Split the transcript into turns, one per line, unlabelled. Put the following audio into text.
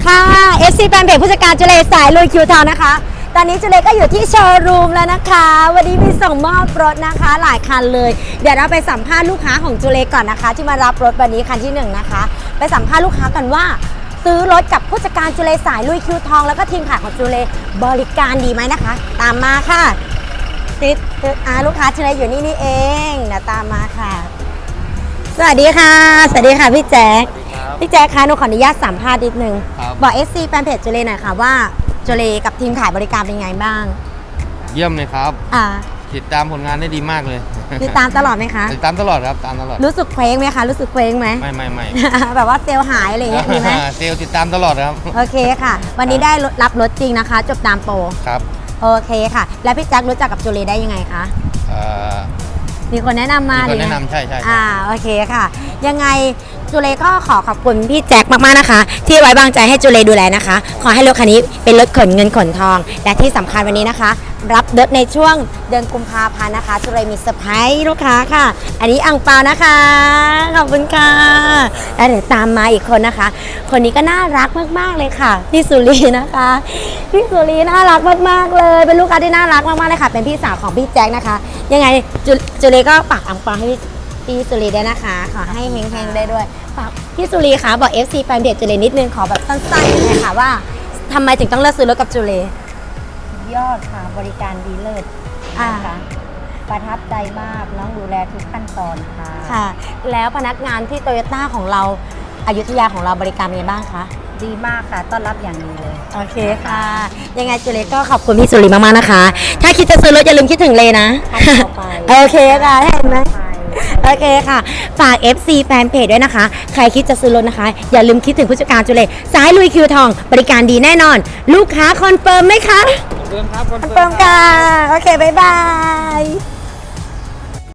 ค่ะ FC แฟนเพจผู้จัดการจุเลสายลุยคิวทาวนะคะ ตอนนี้จุเลก็อยู่ที่โชว์รูมแล้วนะคะ วันนี้มีส่งมอบรถนะคะหลายคันเลย เดี๋ยวเราไปสัมภาษณ์ลูกค้าของจุเลก่อนนะคะ ที่มารับรถวันนี้คันที่1นะคะไปสัมภาษณ์ลูกค้ากันว่า ซื้อรถกับผู้จัดการจุเลสายลุยคิวทองแล้วก็ทีมขายของจุเลบริการดีไหมนะคะ ตามมาค่ะติดลูกค้าจุเลอยู่นี่เองเดี๋ยวตามมาค่ะ สวัสดีค่ะสวัสดีค่ะพี่แจ๊คพี่แจ๊คคะหนูขออนุญาตสัมภาษณ์นิดนึงบอก FC แฟนเพจจุเลหน่อยค่ะว่าจุเลกับทีมขายบริการเป็นไงบ้าง
เยี่ยมเลยครับติดตามผลงานได้ดีมากเลย
ติดตามตลอดไหมคะ
ติดตามตลอดครับตามตลอด
รู้สึกเคว้งไหมคะรู้สึกเคว้งไหม
ไม่
แบบว่าเซลล์หายอะไรอย่างเงี้ยมีไหม
เซลล์ติดตามตลอดครับ
โอเคค่ะ วันนี้ได้รับรถจริงนะคะ จบตามโปร
ครับ
โอเคค่ะ แล้วพี่แจ๊ครู้จักกับจุเลได้ยังไงคะมีคนแนะนำมา
มีคนแนะนำใช่
โอเคค่ะยังไงจุเลก็ขอบคุณพี่แจ็คมากๆนะคะที่ไว้วางใจให้จุเลดูแลนะคะขอให้รถคันนี้เป็นรถขนเงินขนทองและที่สำคัญวันนี้นะคะรับรถในช่วงเดือนกุมภาพันธ์นะคะจุเลมีเซอร์ไพรส์ลูกค้าค่ะอันนี้อั่งเปานะคะขอบคุณค่ะแล้วเดี๋ยวตามมาอีกคนนะคะคนนี้ก็น่ารักมากๆเลยค่ะพี่สุรีนะคะพี่สุรีน่ารักมากๆเลยเป็นลูกค้าที่น่ารักมากๆเลยค่ะเป็นพี่สาวของพี่แจ็คนะคะยังไงจุเลก็ฝากอั่งเปาให้พี่สุรีได้นะคะขอให้เฮงๆได้ด้วยฝากพี่สุรีคะบอก FC แฟนเพจจุเลนิดนึงขอแบบสั้นๆเลยค่ะว่าทำไมถึงต้องเลือกซื้อรถกับจุเลย
อดค่ะบริการดีเลิศนะคะประทับใจมากน้องดูแลทุกขั้นตอน
ค่ะแล้วพนักงานที่โตโยต้าของเราอยุธยาของเราบริการเป็นไงบ้างคะ
ดีมากค่ะต้อนรับอย่างดีเลย
โอเคค่ะยังไงจุเลก็ขอบคุณพี่สุรีมากๆนะคะถ้าคิดจะซื้อรถอย่าลืมคิดถึงเลนะโอเคค่ะเห็นไหมโอเคค่ะฝาก FC แฟนเพจด้วยนะคะใครคิดจะซื้อรถนะคะอย่าลืมคิดถึงผู้จัดการจุเลสายลุยคิวทองบริการดีแน่นอนลูกค้าคอนเฟิร์มไหมคะ
คอนเฟิร์มครับ
คอนเฟิร์มค่ะโอเคบ๊ายบาย